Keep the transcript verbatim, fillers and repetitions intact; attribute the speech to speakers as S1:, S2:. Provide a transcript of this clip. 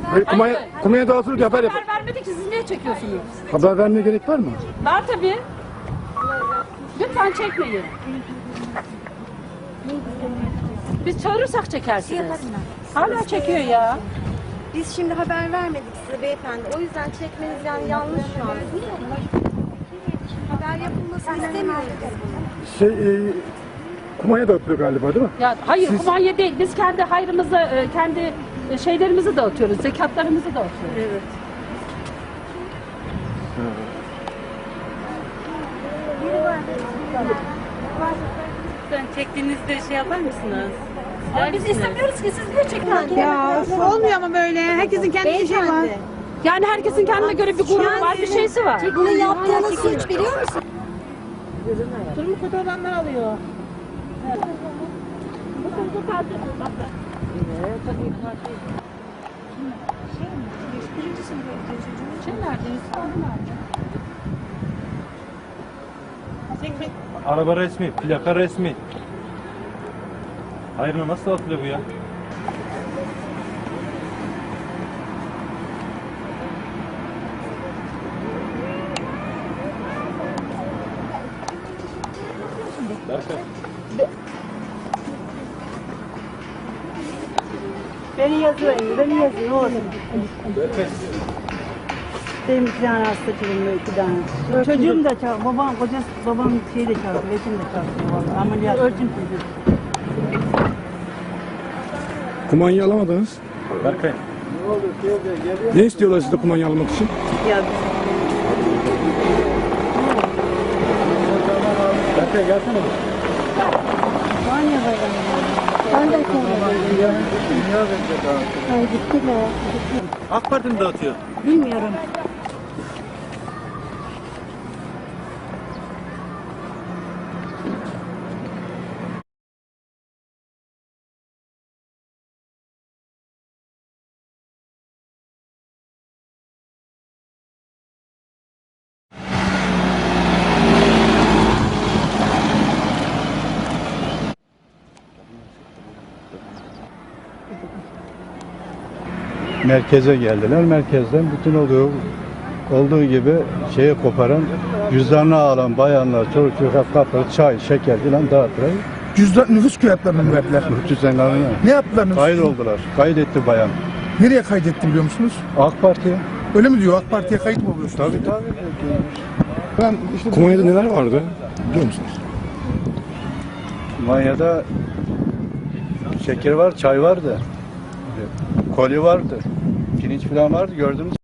S1: Hayır, kumaya, kumaya dağıtılır haber yapar.
S2: Haber vermedik ki siz niye çekiyorsunuz?
S1: Haber vermeye gerek var mı?
S2: Var tabii. Lütfen çekmeyin. Biz çağırırsak çekersiniz. Hala çekiyor ya.
S3: Biz şimdi haber vermedik size beyefendi. O yüzden çekmeniz yani yanlış şu an. Haber yapılmasını istemiyoruz biz bunu.
S1: Şey, e, kumaya dağıtılıyor galiba değil mi?
S2: Ya hayır,
S1: Siz-
S2: kumanya değil. Biz kendi hayrımızı, e, kendi e, şeylerimizi dağıtıyoruz. Zekatlarımızı dağıtıyoruz.
S3: Evet.
S4: Sen çektiğinizde şey yapar mısınız?
S2: Ama biz istemiyoruz ki siz niye çekiyorsunuz?
S5: Ya olmuyor ama böyle. Herkesin kendi işi var.
S3: Beyefendi.
S2: Yani herkesin kendine göre bir gururu var, bir şeysi var.
S3: Bunu yaptığınız suç biliyor musun?
S5: Durumu kötü olanlar alıyor.
S6: Araba resmi, plaka resmi. Hayır mı, nasıl atılıyor bu ya?
S5: Beni yazıyor, beni yazıyor. Oğlum. Benim iki tane hasta çocuğum, iki tane. Çocuğum da çalışıyor, babam, kocası, babam şey de çalışıyor, eşim de çalışıyor. Vallahi. Ameliyat. Ölçüm çocuğu.
S1: Kumanyayı alamadınız.
S6: Berkay.
S1: Ne istiyorlar sizde kumanyayı almak için?
S5: Ya
S6: Berkay gelsene bir.
S5: var ya babam. Ben de sonra Ay gitti be.
S6: AK Parti mi dağıtıyor?
S5: Bilmiyorum.
S7: Merkeze geldiler. Merkezden bütün olduğu olduğu gibi şeye koparan, cüzdanını alan bayanlar, çocuk çocuk kapları, çay, şeker filan dağıttılar.
S8: Cüzdan nüfus kağıtlarını mı verdiler?
S7: Cüzdanlarını
S8: Ne yaptılar nüfus?
S7: kayıt oldular. Kaydetti bayan.
S8: Nereye kaydetti biliyor musunuz?
S7: AK Parti.
S8: Öyle mi diyor? AK Parti'ye kayıt mı oluyorsunuz?
S7: Tabii tabii.
S1: Ben işte kumanyada neler vardı biliyor musunuz?
S7: Manya'da şeker var, çay vardı. Koli vardı. Pirinç filan vardı gördünüz.